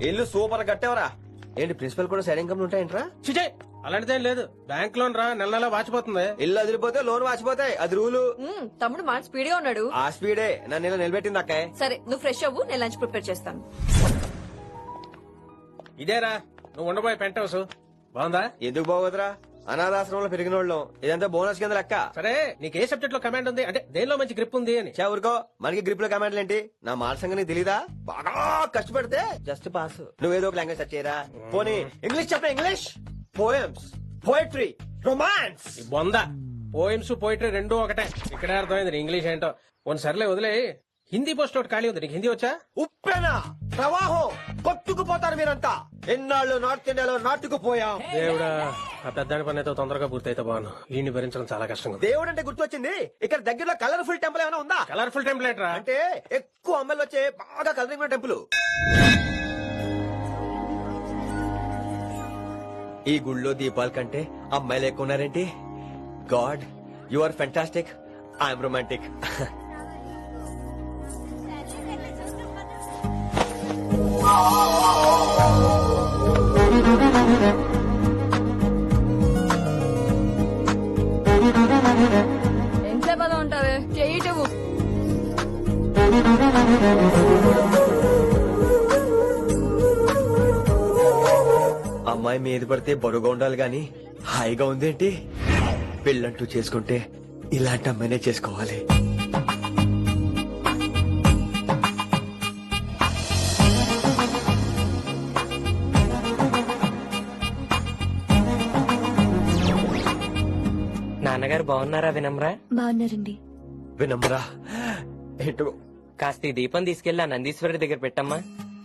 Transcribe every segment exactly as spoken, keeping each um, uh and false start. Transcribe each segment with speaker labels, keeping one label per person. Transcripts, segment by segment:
Speaker 1: ఇల్లు సూపర్ కట్టేవరా. ఏంటి ప్రిన్సిపల్ కూడా సైడ్ ఇన్కమ్ ఉంటాయంట్రా?
Speaker 2: చిచే అలాంటిదేం లేదు. బ్యాంక్ లోన్ రా నెల నెల వాచిపోతుంది.
Speaker 1: ఇల్లు అదిరిపోతే లోన్ వాచిపోతాయి, అది రూలు.
Speaker 3: మ్మ్, తమ్ముడు మాట స్పీడ్ గా ఉన్నాడు.
Speaker 1: ఆ స్పీడే నన్ను ఇలా నిలబెట్టింది అక్కే.
Speaker 3: సరే నువ్వు ఫ్రెష్ అవ్వు, నేను లంచ్ ప్రిపేర్ చేస్తాను.
Speaker 2: ఇదేరా నువ్వు ఉండబోయే పెంట్ హౌస్. బాగుందా?
Speaker 1: ఎందుకు బాగోదురా, అనాథాశ్రమంలో పెరిగిన వాళ్ళం. ఇదంతా బోనస్ కింద లెక్క.
Speaker 2: సరే నీకు ఏ సబ్జెక్ట్ లో కమాండ్ ఉంది, అంటే దేనిలో మంచి గ్రిప్ ఉంది అని.
Speaker 1: చా ఊరుకో, మనకి గ్రిప్ లో కమాండ్లు ఏంటి? నా మాట సంగతి నీకు తెలీదా? బాగా కష్టపడితే జస్ట్ పాస్. నువ్వేదో ఒక లాంగ్వేజ్ సెర్చ్ చేయరా. పోనీ ఇంగ్లీష్ చెప్పరా. English poems, poetry, romance.
Speaker 2: ఈ బొంద పోయిమ్స్ పోయిటరీ రెండు ఒకటే. ఇక్కడే అర్థమైంది నీ ఇంగ్లీష్ ఏంటో. కొన్ని సర్లే వదిలే. హిందీ పోస్ట్ ఒకటి ఖాళీ ఉంది, నీకు హిందీ వచ్చా?
Speaker 1: ఉప్పెన ప్రవాహం కొట్టుకుపోతారు మీరంతా. ఎన్నాళ్ళు నార్త్ ఇండియాలో నాటుకుపోయాం.
Speaker 2: దేవుడా, ఆ పెద్దాని పని అయితే తొందరగా పూర్తయితే బాను. వీడిని భరించడం చాలా కష్టంగా.
Speaker 1: దేవుడు అంటే గుర్తొచ్చింది, ఇక్కడ దగ్గరలో కలర్ఫుల్ టెంపుల్ ఏమైనా ఉందా?
Speaker 2: కలర్ఫుల్ టెంప్లెట్ రా.
Speaker 1: అంటే ఎక్కువ అమ్మాయిలు వచ్చే బాగా కలరింగ్ ఉన్న టెంపుల్. ఈ గుళ్ళో దీపాల కంటే అమ్మాయిలు ఎక్కువ ఉన్నారేంటి? God, you are fantastic, I'm romantic.
Speaker 3: ఎంత పదం ఉంటావే, చెయ్యటవు.
Speaker 1: అమ్మాయి మీద పడితే బరువుగా ఉండాలి గాని హాయిగా ఉందేంటి? పెళ్ళంటూ చేసుకుంటే ఇలాంటి అమ్మాయినే చేసుకోవాలి.
Speaker 4: నాన్నగారు బాగున్నారా వినమ్రా?
Speaker 5: బాగున్నారండి.
Speaker 1: వినమ్రా ఏంటో.
Speaker 4: కాస్త ఈ దీపం తీసుకెళ్లి ఆ నందీశ్వరుడి దగ్గర పెట్టమ్మా.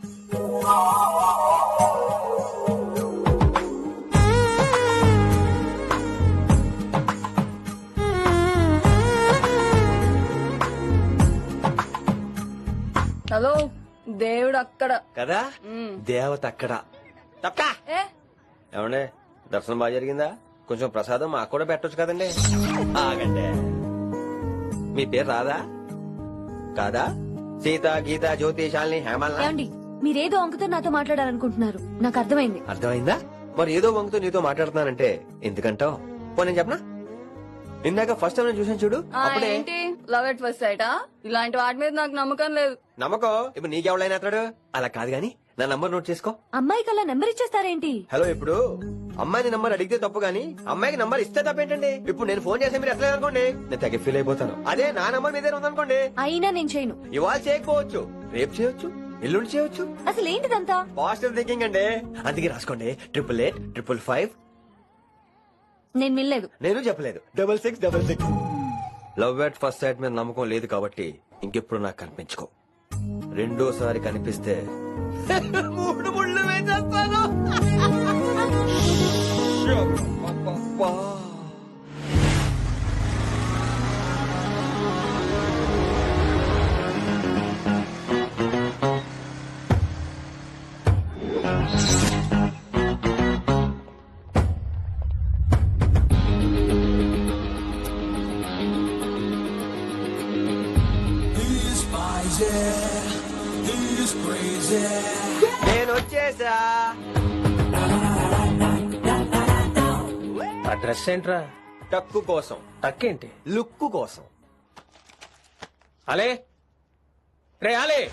Speaker 3: హలో, దేవుడు అక్కడ
Speaker 1: కదా,
Speaker 3: మ్మ్.
Speaker 1: దేవత అక్కడ. తప్పకా
Speaker 3: ఏ
Speaker 1: ఏమండే, దర్శనం బాగా జరిగిందా? కొంచెం ప్రసాదం మాకు కూడా పెట్టొచ్చు కదండి. ఆగండి, మీ పేరు రాదా? కాదా? సీత, గీత, జ్యోతి, శాలిని, హేమల్.
Speaker 5: ఏమండి, మీరేదో అంకుతో నాతో మాట్లాడాలనుకుంటున్నారు, నాకు అర్థమైంది.
Speaker 1: అర్థమైందా? మరి ఏదో వంగుతో నీతో మాట్లాడుతున్నానంటే ఎందుకంటావు? పో నేను చెప్పనా, ఇందాక ఫస్ట్ టైం నేను చూసాను చూడు,
Speaker 3: ఆ,
Speaker 1: అప్పుడే.
Speaker 3: ఏంటి లవ్ ఎట్ ఫస్ట్ సైటా? ఇలాంటి వాటి మీద నాకు నమ్మకం లేదు.
Speaker 1: నమ్మకం ఇప్పుడు నీకెవడైనా అతడు. అలా కాదు గాని నా నంబర్ నోట్ చేసుకో.
Speaker 5: అమ్మాయికి అలా నెంబర్ ఇచ్చేస్తారేంటి?
Speaker 1: హలో, ఇప్పుడు అమ్మాయిని నంబర్ అడిగితే తప్పు గానీ అమ్మాయికి నంబర్ ఇస్తే తప్పేంటండి? ఇప్పుడు నేను ఫోన్ చేస్తే మీరు ఎట్లా అనుకోండి, నేను తగ్గ ఫీల్ అయిపోతాను. అదే నా నంబర్ మీదే ఉందనుకోండి,
Speaker 5: అయినా నేను చేయను.
Speaker 1: ఇవాళ చేయకపోవచ్చు, రేపు చేయొచ్చు, ఎల్లుండి చేయొచ్చు.
Speaker 5: అసలు ఏంటిదంతా?
Speaker 1: పాజిటివ్ థింకింగ్ అండి. అందుకే రాసుకోండి, ట్రిపుల్ ఎయిట్ ట్రిపుల్ ఫైవ్.
Speaker 5: నేను వినలేదు.
Speaker 1: నేను చెప్పలేదు, double six double six. Love at first sight మీద నమ్మకం లేదు కాబట్టి ఇంకెప్పుడు నాకు కనిపించుకో. రెండోసారి కనిపిస్తే మూడు ముళ్ళు వేసేస్తాను. అబ్బబ్బబ్బా. నేను వచ్చేసా.
Speaker 2: ఆ డ్రెస్ ఏంట్రా?
Speaker 1: టక్కు కోసం,
Speaker 2: టక్కేంటి?
Speaker 1: లుక్కు కోసం.
Speaker 2: అలే రే అలే.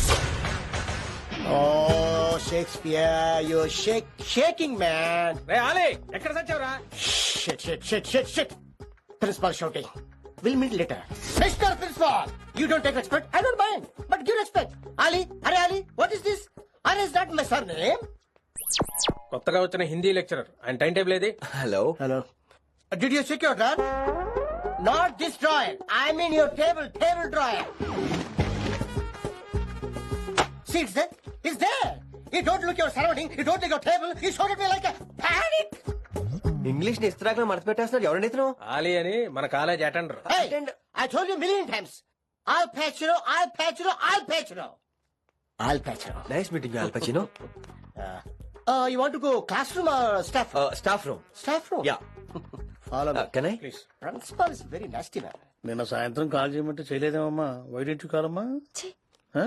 Speaker 6: Oh, Shakespeare, you're shake, shaking, man.
Speaker 2: రే అలే, ఎక్కడ సచ్చావురా?
Speaker 6: Shit, shit, shit, shit, shit. Principal shouting. We'll meet later. Mister Principal, you don't take respect. I don't mind, but give respect. Ali, Hare Ali, what is this? Are is that my surname?
Speaker 2: కొత్తగా వచ్చిన Hindi lecturer, ఆయన time table ఏది?
Speaker 1: Hello
Speaker 6: Hello. Uh, did you check your drawer? Not this drawer. I mean your table, table drawer. See, it's there. It's there. You don't look your surrounding. You don't look your table. You shot at me like a panic.
Speaker 1: English ని ఇస్త్రాకులో మడత పెట్టేస్తున్నాడు. ఎవరండి ఇతను?
Speaker 2: ఆలీ అని మన college attender.
Speaker 6: Hey, I told you a million times. I'll patch you. I'll patch you. I'll patch you. I'll patch you.
Speaker 1: Nice meeting Al Pacino.
Speaker 6: Uh, uh, you want to go classroom or staff room?
Speaker 1: Staff room.
Speaker 6: Staff room.
Speaker 1: Yeah.
Speaker 6: Follow me.
Speaker 1: Can I?
Speaker 2: Please.
Speaker 6: Principal is very nasty man.
Speaker 7: నిన్న సాయంత్రం call చేయమంటే చేయలేదేమమ్మా? Why didn't you call అమ్మా?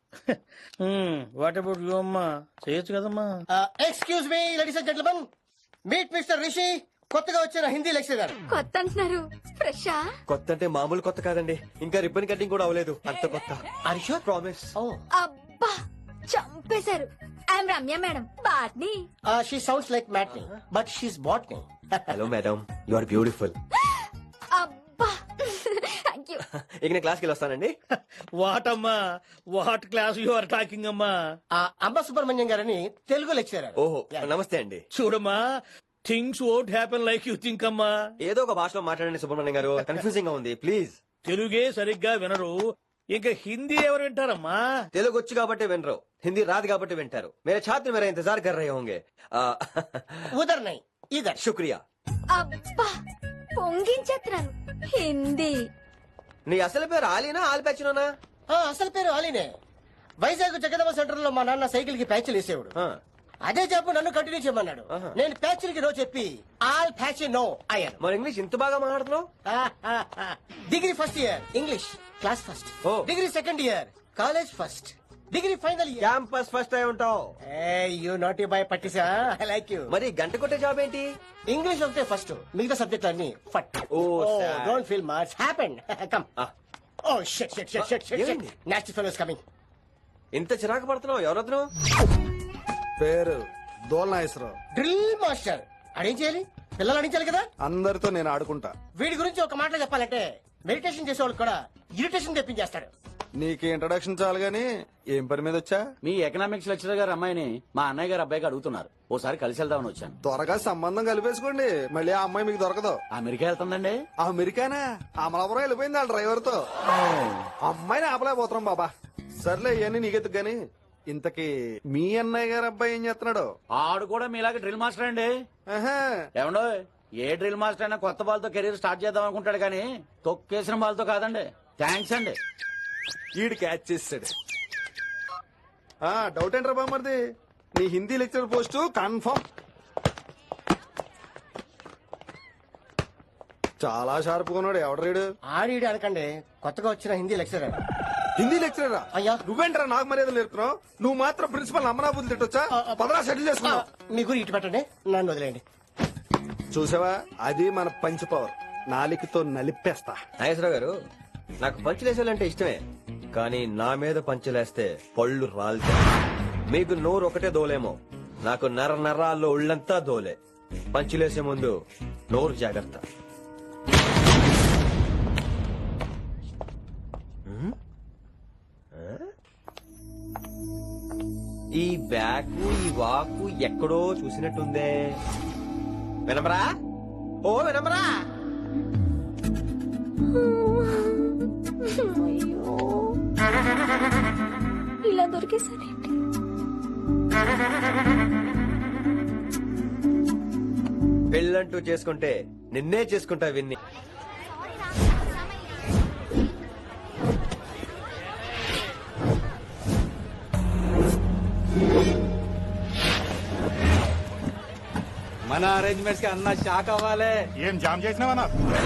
Speaker 7: What about you అమ్మా చేయొచ్చు కదమ్మా.
Speaker 6: Excuse me ladies and gentlemen, meet mister Rishi, కొత్తగా వచ్చిన హిందీ లెక్చరర్.
Speaker 5: కొత్త అంటున్నారు, ఫ్రెషా?
Speaker 1: కొత్త అంటే మామూలు కొత్త కాదండి, ఇంకా రిబ్బన్ కటింగ్ కూడా అవ్వలేదు, అంత కొత్త.
Speaker 6: Are you sure?
Speaker 1: ప్రామిస్.
Speaker 6: ఓ
Speaker 5: అబ్బా చంపేశారు. I'm Ramya madam, botany.
Speaker 6: She sounds like matinee but she's botany.
Speaker 1: Hello madam, you are beautiful.
Speaker 5: అబ్బా థ్యాంక్ యూ.
Speaker 1: ఇక నేను క్లాస్కి వెళ్ళి వస్తానండి.
Speaker 7: వాట్ అమ్మా, what class you are talking అమ్మా.
Speaker 6: అంబ సుబ్రహ్మణ్యం గారని తెలుగు లెక్చరర్.
Speaker 1: ఓహో నమస్తే అండి.
Speaker 7: చూడమ్మా, things won't happen like you think అమ్మా.
Speaker 1: ఏదో ఒక భాషలో మాట్లాడండి సుబ్రహ్మణ్యం గారు, కన్ఫ్యూజింగ్ గా ఉంది ప్లీజ్.
Speaker 7: తెలుగే సరిగ్గా వినరు, ఇంకా హిందీ ఎవరు వింటారమ్మా?
Speaker 1: తెలుగు వచ్చు కాబట్టి వినరు, హిందీ రాదు కాబట్టి వింటారు. మేరే ఛాత్ర మేరా ఇంతజార్ కర్ రహే హోంగే. ఆ,
Speaker 6: ఉదర్ నై ఇదర్.
Speaker 1: శుక్రియా.
Speaker 5: అబ్బా పొంగించేస్తున్నాను. హిందీ
Speaker 1: నీ అసలు పేరు ఆలీనా ఆల్పచ్చినోనా?
Speaker 6: ఆ, అసలు పేరు అలీనే. వైజాగ్ జగదమ్మ సెంటర్ లో మా నాన్న సైకిల్ కి ప్యాచ్లు వేసేవాడు. అదే జాబ్ నన్ను కంటిన్యూ చేయమన్నాడు.
Speaker 1: ఆహా.
Speaker 6: నేను ప్యాచ్లకి నో చెప్పి ఆల్ ప్యాచ్ నో అయ్యాను.
Speaker 1: మరి ఇంగ్లీష్ ఇంత బాగా మాట్లాడుతున్నావు?
Speaker 6: Degree first year English class first.
Speaker 1: ఓ.
Speaker 6: Degree second year college first. Degree final year
Speaker 1: campus first అయి ఉంటావు.
Speaker 6: యూ నాట్ బాయ్ పట్టిసా. I like you.
Speaker 1: మరి గంట కొట్టే జాబ్ ఏంటి?
Speaker 6: ఇంగ్లీష్ ఒకటే ఫస్ట్, మిగతా సబ్జెక్ట్ అన్ని ఫట్.
Speaker 1: Oh, sad.
Speaker 6: Don't feel much happen. Come.
Speaker 1: ఆ,
Speaker 6: oh shit shit shit shit shit.
Speaker 1: ఏమైంది?
Speaker 6: Next fellows coming.
Speaker 1: ఇంత చిరాకు పడుతున్నావు, ఎవరొద్దు?
Speaker 8: పేరు దోల్నాగేశ్వరరావు.
Speaker 6: Drill master. అడేం చేయాలి? పిల్లలు అడించాలి కదా.
Speaker 8: అందరితో నేను ఆడుకుంటా.
Speaker 6: వీడి గురించి ఒక మాటలో చెప్పాలంటే మెడిటేషన్ చేసేవాళ్ళు కూడా ఇరిటేషన్ తెప్పించేస్తాడు.
Speaker 8: నీకు ఇంట్రడక్షన్ చాలు గాని ఏం పని మీద వచ్చా?
Speaker 9: మీ ఎకనామిక్స్ లెక్చరర్ గారు అమ్మాయిని మా అన్నయ్య గారు అబ్బాయికి అడుగుతున్నారు, ఓసారి కలిసి వెళ్దామని వచ్చాను.
Speaker 8: త్వరగా సంబంధం కలిపేసుకోండి, మళ్ళీ ఆ అమ్మాయి మీకు దొరకదు.
Speaker 9: అమెరికా వెళ్తుందండి.
Speaker 8: అమెరికానా? అమలాపురం వెళ్ళిపోయింది వాళ్ళ డ్రైవర్ తో. అమ్మాయిని ఆపలేకపోతున్నాం బాబా. సర్లే ఇవన్నీ నీకెత్తుకు గాని, ఇంతకీ మీ అన్నయ్య గారు అబ్బాయి ఏం చేస్తున్నాడు?
Speaker 9: ఆడు కూడా మీలాగే డ్రిల్ మాస్టర్ అండి.
Speaker 8: ఆహా.
Speaker 9: ఏమండో, ఏ డ్రిల్ మాస్టర్ అయినా కొత్త బాల్తో కెరీర్ స్టార్ట్ చేద్దాం అనుకుంటాడు కానీ తొక్కేసిన బాల్తో కాదండి. థ్యాంక్స్ అండి.
Speaker 8: ఈడు క్యాచ్ చేసాడు. ఆ డౌట్ ఏంట్రా బామ్మర్ది, నీ హిందీ లెక్చర్ పోస్ట్ కన్ఫర్మ్. చాలా షార్ప్ ఉన్నాడు. ఎవడరీడు?
Speaker 6: ఆడిడి అనకండి, కొత్తగా వచ్చిన హిందీ లెక్చరర్.
Speaker 8: హిందీ లెక్చరరా?
Speaker 6: అయ్యా.
Speaker 8: నువ్వేంట్రా నాకు మర్యాద నేర్పుతున్నావు? నువ్వు మాత్రం ప్రిన్సిపల్ అమ్మనాబుద్ధి తిట్టొచ్చా? పదరా సెటిల్ చేసుకున్నావు.
Speaker 6: మీ గురి ఇటు పెట్టండి, నన్ను వదిలేయండి.
Speaker 8: చూసావా, అది మన పంచ్ పవర్. నాలికతో నలిపేస్తా.
Speaker 1: నాగేశ్వరరావు గారు, నాకు పంచులేసాలంటే ఇష్టమే, కానీ నా మీద పంచులేస్తే పళ్ళు రాలుతాయి. మీకు నోరు ఒకటే దోలేమో, నాకు నర నరాల్లో ఉళ్ళంతా దోలే. పంచులేసే ముందు నోరు జాగ్రత్త. హ్మ్? ఆ? ఈ బ్యాకు ఈ వాకు ఎక్కడో చూసినట్టుందే. వినమరా? ఓ వినమరా?
Speaker 5: అయ్యో ఇలా దొరికేసారేంటి?
Speaker 1: పెళ్ళంటూ చేసుకుంటే నిన్నే చేసుకుంటా విన్ని.
Speaker 9: మన అరేంజ్మెంట్స్ కి అన్న షాక్ అవ్వాలి.
Speaker 10: ఏం జామ్ చేసినావా?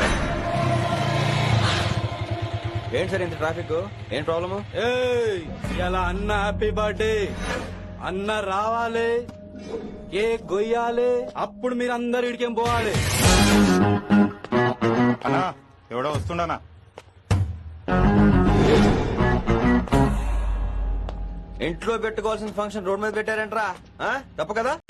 Speaker 1: ఏంటి సార్ ఇంత ట్రాఫిక్? ఏం ప్రాబ్లము?
Speaker 9: ఇలా అన్న హ్యాపీ బర్త్డే, అన్న రావాలి, కేక్ గొయ్యాలి, అప్పుడు మీరు అందరు ఇడికేం పోవాలి.
Speaker 10: అన్నా ఎవడో వస్తుండనా?
Speaker 1: ఇంట్లో పెట్టుకోవాల్సిన ఫంక్షన్ రోడ్ మీద పెట్టారంట్రా? ఆ? తప్పు కదా?